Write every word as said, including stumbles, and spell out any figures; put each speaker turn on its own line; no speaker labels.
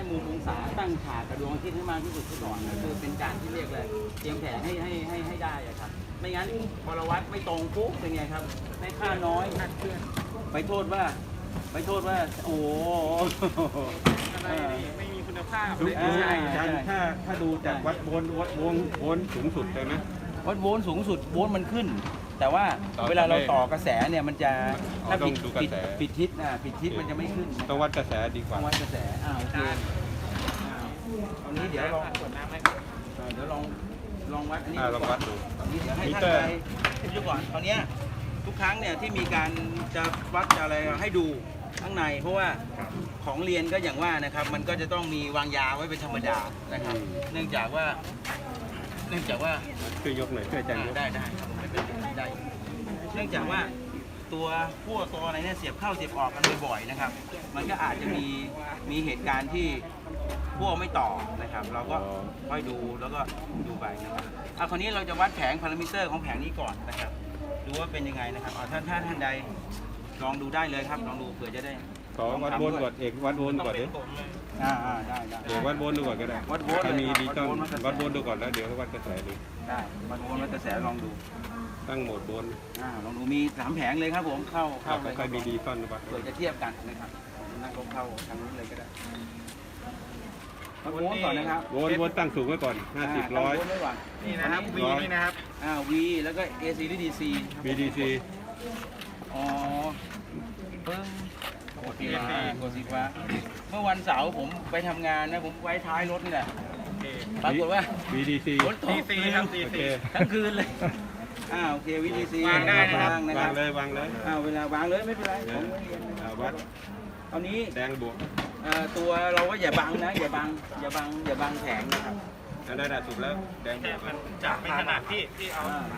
มุมองศาตั้งฉากกระดวงอาทิตย์ให้มากที่สุดก่อนก็คือเป็นการที่เรียกเลยเตรียมแผนให้ให้ให้ให้ได้อะครับไม่งั้นพอเราวัดไม่ตรงปุ๊บเป็นไงครับได้ค่าน้อยนัดเพื่อนไปโทษว่าไปโทษว่าโอ้อะไรไม่มีคุณภาพ
ดูดูการถ้าถ้าดูจากวัดโวลต์วัดโวลต์โวลต์สูงสุดเลยไหม
วัดโวลต์สูงสุดโวลต์มันขึ้น แต่ว่าเวลาเราต่อกระแสเนี่ยมันจะถ้าผิดผิดผิดทิศนะผิดทิศมันจะไม่ขึ้น
ต้องวัดกระแสดีกว่า
วัดกระแสอ่าโอเคตอนนี้เดี๋ยวลองเดี๋ยวลองลองวัดอันนี้
ลองวัดดู
ตอนนี้เดี๋ยวให้ท่านไปดูก่อนตอนนี้ทุกครั้งเนี่ยที่มีการจะวัดอะไรให้ดูข้างในเพราะว่าของเรียนก็อย่างว่านะครับมันก็จะต้องมีวางยาไว้เป็นธรรมดานะครับเนื่องจากว่าเนื่องจากว่า
ช่วยยกหน่อยช่วยอาจารย์ยก
ได้ได้ครับไม่เป็นไรได้เนื่องจากว่าตัวขั้วตัวอะไรเนี่ยเสียบเข้าเสียบออกกันบ่อยๆนะครับมันก็อาจจะมีมีเหตุการณ์ที่ขั้วไม่ต่อนะครับ เราก็ค่อยดูแล้วก็ดูไปนะครับเอาคราวนี้เราจะวัดแผงพารามิเตอร์ของแผงนี้ก่อนนะครับดูว่าเป็นยังไงนะครับเอาท่านท่านท่านใดลองดูได้เลยครับลองดูเผื่อจะได้
ขอวัดโวลต์ก่อนเอกวัดโวลต์ก่อนดิ
อ่าอ่าได้ได้
เอกวัดโวลต์ดูก่อนก็ได้
วัดโวลต์
ถ้ามี
เลยครับ
ดีต้อง
วัดโวลต์
วัดโวลต์ดูก่อนแล้วเดี๋ยววัดกระแสดู
ได้วัดโวลต์วัดกระแสลองดู
ตั้งโหมดโวลต์
อ่าลองดูมีสามแผงเลยครับผมเข้าเข้า
แล้ว
เลย
ค่อยมีดีต้อนวัด
เผื่อจะเทียบกันนะครับนั่งลงเข้าทางนู้นเลยก็ได้วัดโวลต์ก่อนนะครับ
โวลต์โวลต์ตั้งสูงไว้ก่อนห้าสิบร้อย
ตั้งโวลต์ไว้ก่อนนี่นะครับ V นี่นะครับอ่า V แล้วก็ เอ ซี หรือ ดี ซี
บี ดี ซี
อ๋อปึ้งกดสีฟ้ากดสีฟ้าเมื่อวันเสาร์ผมไปทำงานนะผมไว้ท้ายรถนี่แหละปรากฏว่า
บี ดี ซี
ฝนตก
โอเค
ทั้งคืนเลยอ่าโอเค วี ดี ซี
วางได้นะครับ
วางนะคว
า
รั
ง
บ
เลยวางเลย
อ่าเวลาวางเลยไม่เป็นไรผมไม่เรียน
อ่าวัด
ตอนนี้
แดงบวก
เอ่อตัวเราก็อย่าบังนะอย่าบังอย่าบังอย่าบังแผงนะครับ
อันนั้นถูกแล้วแดงบวก
จะไม่ขนาดที่ที่เอา